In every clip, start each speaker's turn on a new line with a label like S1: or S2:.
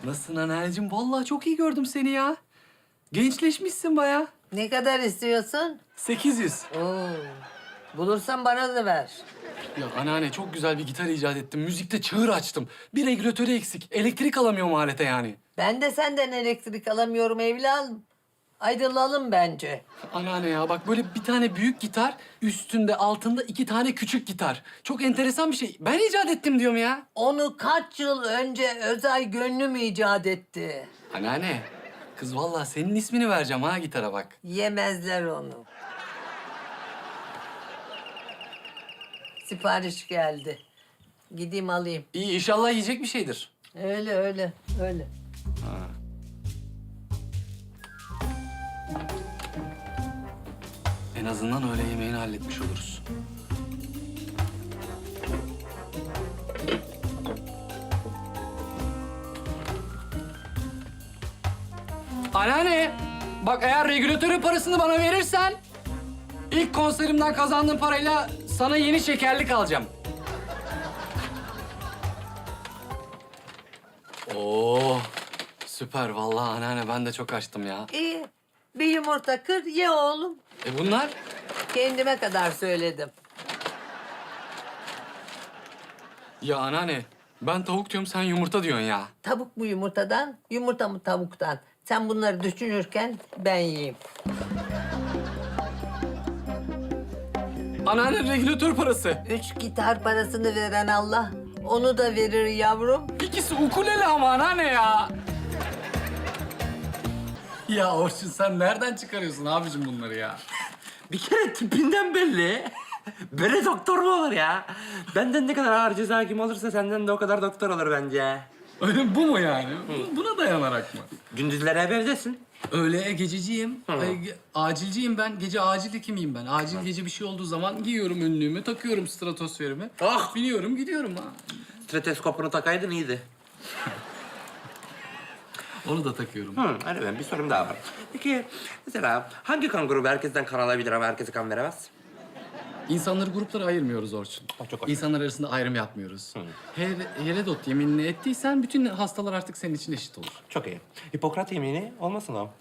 S1: Nasılsın anacığım? Vallahi çok iyi gördüm seni ya. Gençleşmişsin bayağı.
S2: Ne kadar istiyorsun?
S1: 800.
S2: Oo. Bulursan bana da ver.
S1: Ya anneanne çok güzel bir gitar icat ettim. Müzikte çığır açtım. Bir regülatörü eksik. Elektrik alamıyorum alete yani.
S2: Ben de senden elektrik alamıyorum evladım. Ayrılalım bence.
S1: Anneanne ya bak böyle bir tane büyük gitar, üstünde altında 2 tane küçük gitar. Çok enteresan bir şey. Ben icat ettim diyorum ya.
S2: Onu kaç yıl önce Özay Gönlüm icat etti.
S1: Anneanne, kız vallahi senin ismini vereceğim ha gitara bak.
S2: Yemezler onu. Sipariş geldi. Gideyim alayım.
S1: İyi inşallah yiyecek bir şeydir.
S2: Öyle öyle öyle.
S1: En azından öğle yemeğini halletmiş oluruz. Anneanne, bak eğer regülatörün parasını bana verirsen... ...ilk konserimden kazandığım parayla sana yeni şekerlik alacağım. Oo, süper vallahi anneanne ben de çok açtım ya.
S2: İyi. Bir yumurta kır ye oğlum.
S1: Bunlar?
S2: Kendime kadar söyledim.
S1: Ya anneanne, ben tavuk diyorum sen yumurta diyorsun ya.
S2: Tavuk mu yumurtadan, yumurta mı tavuktan? Sen bunları düşünürken ben yiyeyim.
S1: Anneanne regülatör parası.
S2: 3 gitar parasını veren Allah, onu da verir yavrum.
S1: İkisi ukulele ama anneanne ya. Ya Orçun sen nereden çıkarıyorsun abicim bunları ya?
S3: Bir kere tipinden belli. Böyle doktor mu olur ya? Benden ne kadar ağır ceza hakim olursa senden de o kadar doktor olur bence.
S1: Öyle bu mu yani? Buna dayanarak mı?
S3: Gündüzleri hep evdesin.
S1: Öyle gececiyim. Acilciyim ben. Gece acil hekimiyim ben. Acil gece bir şey olduğu zaman giyiyorum önlüğümü, takıyorum stratosferimi.
S3: Ah!
S1: Biniyorum gidiyorum ha.
S3: Stetoskopunu takaydın iyiydi.
S1: Onu da takıyorum.
S3: Hadi ben bir sorum daha var. Peki mesela hangi kan grubu herkesten kan alabilir ama herkese kan veremez?
S1: İnsanları gruplara ayırmıyoruz Orçun.
S3: Çok hoş.
S1: İnsanlar arasında ayrım yapmıyoruz. Herodot yeminini ettiysen bütün hastalar artık senin için eşit olur.
S3: Çok iyi. Hipokrat yemini olmasın o?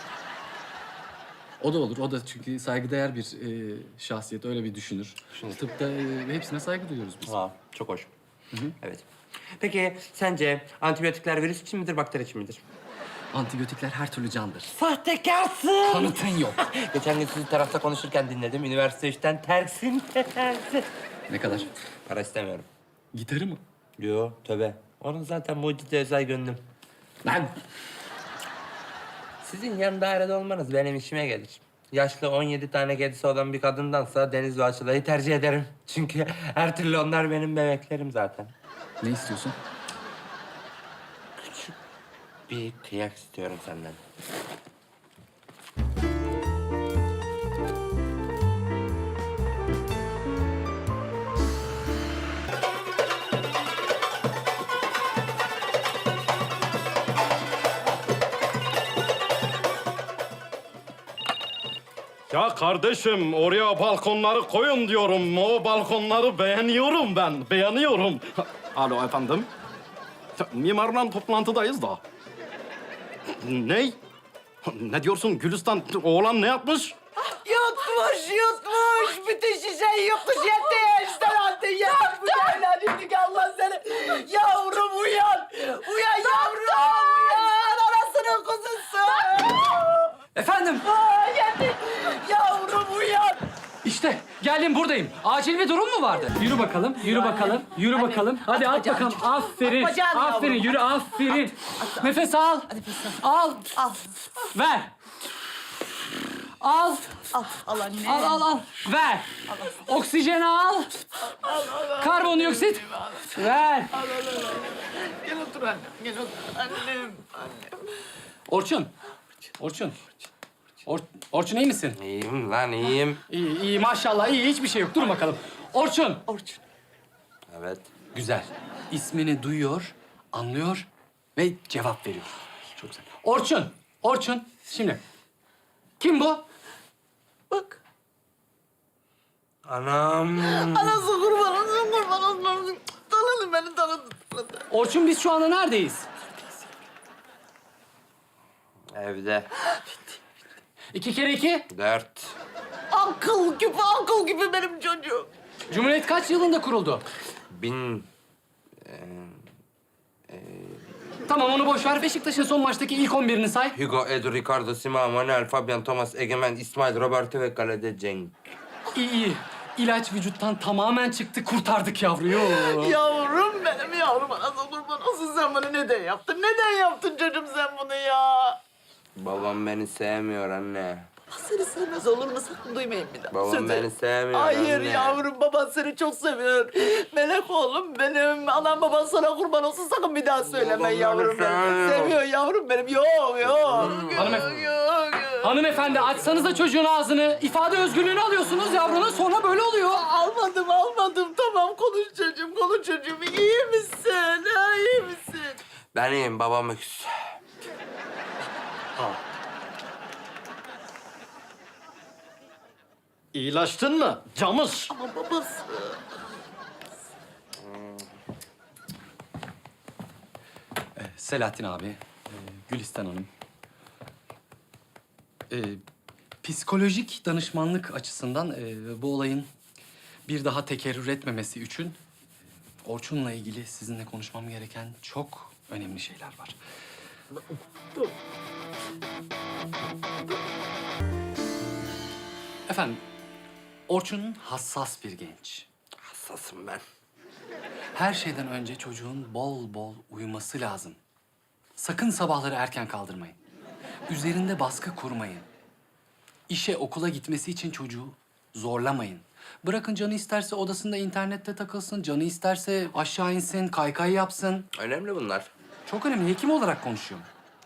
S1: O da olur. O da çünkü saygıdeğer bir şahsiyet. Öyle bir düşünür. Tıpta hepsine saygı duyuyoruz biz.
S3: Aa, çok hoş. Evet. Peki sence antibiyotikler virüs için midir, bakteri için midir?
S1: Antibiyotikler her türlü candır.
S3: Sahtekarsın!
S1: Kanıtın yok.
S3: Geçen gün sizi tarafta konuşurken dinledim. Üniversite işten tersin.
S1: Ne kadar?
S3: Para istemiyorum.
S1: Gitarı mı?
S3: Yo, tövbe. Onun zaten mucize özel gönlüm.
S1: Ben.
S3: Sizin yan dairede olmanız benim işime gelir. Yaşlı 17 tane kedisi olan bir kadındansa Deniz ve Açılay'ı tercih ederim. Çünkü her türlü onlar benim bebeklerim zaten.
S1: Ne istiyorsun?
S3: Bir kıyak istiyorum senden.
S4: Ya kardeşim oraya balkonları koyun diyorum. O balkonları beğeniyorum ben. Beğeniyorum. Alo efendim. Mimarla toplantıdayız da. Ne? Ne diyorsun Gülistan? Oğlan ne yapmış?
S2: Yutmuş. Bütün şişeyi yutmuş. Yetti işte artık. Yeter bu değerlendirdik Allah seni. Yavrum uyan. Uyan yavrum. Uyan. Anasının kuzusu.
S1: Efendim?
S2: Yetti. Yavrum uyan.
S1: İşte geldim buradayım. Acil bir durum mu vardı? Yürü bakalım, yürü bakalım, yürü bakalım. Hadi at bakalım. Aferin,
S2: Bacağını
S1: aferin.
S2: yavrum.
S1: Yürü, aferin. Nefes al. Al.
S2: Al.
S1: Ver. Al.
S2: Al anne.
S1: Al. Ver. Oksijen al. Karbondioksit. Ver.
S2: Gel otur annem. Gel otur. Annem.
S1: Orçun. Orçun iyi misin?
S3: İyiyim lan, iyiyim.
S1: İyi maşallah iyi. Hiçbir şey yok. Dur bakalım. Orçun.
S3: Evet.
S1: Güzel. İsmini duyuyor, anlıyor ve cevap veriyor. Çok güzel. Orçun. Şimdi. Kim bu?
S2: Bak.
S3: Anam.
S2: Anası kurban olsun. Tanıdın beni tanıdın.
S1: Orçun biz şu anda neredeyiz?
S3: Evde.
S1: 2 kere 2.
S3: 4.
S2: Akıl gibi benim çocuğum.
S1: Cumhuriyet kaç yılında kuruldu?
S3: 1000.
S1: Tamam onu boş ver. Beşiktaş'ın son maçtaki ilk 11'ini say.
S3: Hugo, Edu, Ricardo, Simao, Manuel, Fabian, Thomas, Egemen, İsmail, Roberto ve kalede Cenk.
S1: İyi. İlaç vücuttan tamamen çıktı. Kurtardık yavruyu.
S2: Yavrum benim yavrum. Anasını kurban olsun, sen bunu neden yaptın? Neden yaptın çocuğum sen bunu ya?
S3: Babam beni sevmiyor anne.
S2: Seni sevmez olur mu? Sakın duymayın bir daha.
S3: Babam
S2: Söz
S3: beni
S2: verin.
S3: sevmiyor
S2: Hayır
S3: anne.
S2: yavrum, baban seni çok seviyor. Melek oğlum benim. Anam baban sana kurban olsun, sakın bir daha söyleme
S3: Babam beni
S2: yavrum benim.
S3: sevmiyor.
S2: Seviyor yavrum benim. Yok.
S1: Hanımefendi.
S2: Yok.
S1: Hanımefendi açsanıza çocuğun ağzını. İfade özgürlüğünü alıyorsunuz yavrunun, sonra böyle oluyor.
S2: Almadım. Tamam, konuş çocuğum. İyi misin? Ha, iyi misin?
S3: Ben iyiyim, babam öksüz.
S4: İyileştin mi? Camış.
S2: Ama babası.
S1: Selahattin abi, Gülistan Hanım. Psikolojik danışmanlık açısından bu olayın bir daha tekerrür etmemesi için Orçun'la ilgili sizinle konuşmam gereken çok önemli şeyler var. Efendim, Orçun hassas bir genç.
S3: Hassasım ben.
S1: Her şeyden önce çocuğun bol bol uyuması lazım. Sakın sabahları erken kaldırmayın. Üzerinde baskı kurmayın. İşe, okula gitmesi için çocuğu zorlamayın. Bırakın canı isterse odasında internette takılsın, canı isterse aşağı insin, kaykay yapsın.
S3: Önemli bunlar.
S1: Çok önemli, hekim olarak konuşuyorum.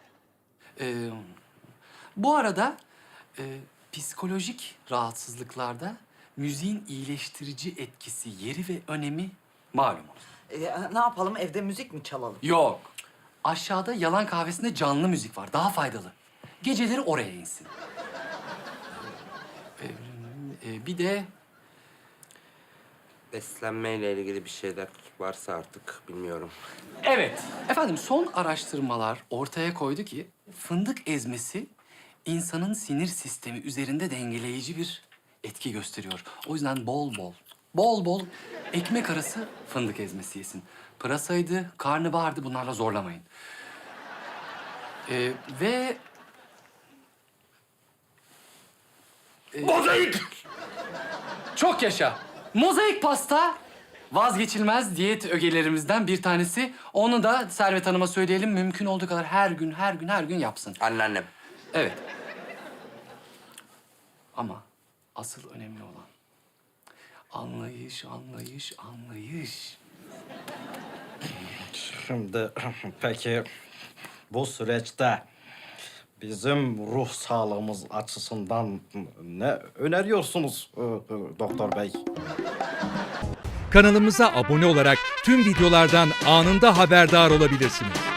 S1: Bu arada psikolojik rahatsızlıklarda müziğin iyileştirici etkisi, yeri ve önemi malumunuz.
S2: Ne yapalım, evde müzik mi çalalım?
S1: Yok. Aşağıda yalan kahvesinde canlı müzik var. Daha faydalı. Geceleri oraya insin. Bir de
S3: Beslenmeyle ilgili bir şeyler varsa artık bilmiyorum.
S1: evet. Efendim son araştırmalar ortaya koydu ki fındık ezmesi insanın sinir sistemi üzerinde dengeleyici bir etki gösteriyor. O yüzden bol bol ekmek arası fındık ezmesi yesin. Pırasaydı, karnabahardı, bunlarla zorlamayın. Ve
S3: Mozaik!
S1: çok yaşa. Mozaik pasta vazgeçilmez diyet ögelerimizden bir tanesi. Onu da Servet Hanım'a söyleyelim. Mümkün olduğu kadar her gün yapsın.
S3: Anneannem.
S1: Evet. Ama asıl önemli olan anlayış.
S4: Şimdi peki bu süreçte bizim ruh sağlığımız açısından ne öneriyorsunuz doktor bey?
S5: Kanalımıza abone olarak tüm videolardan anında haberdar olabilirsiniz.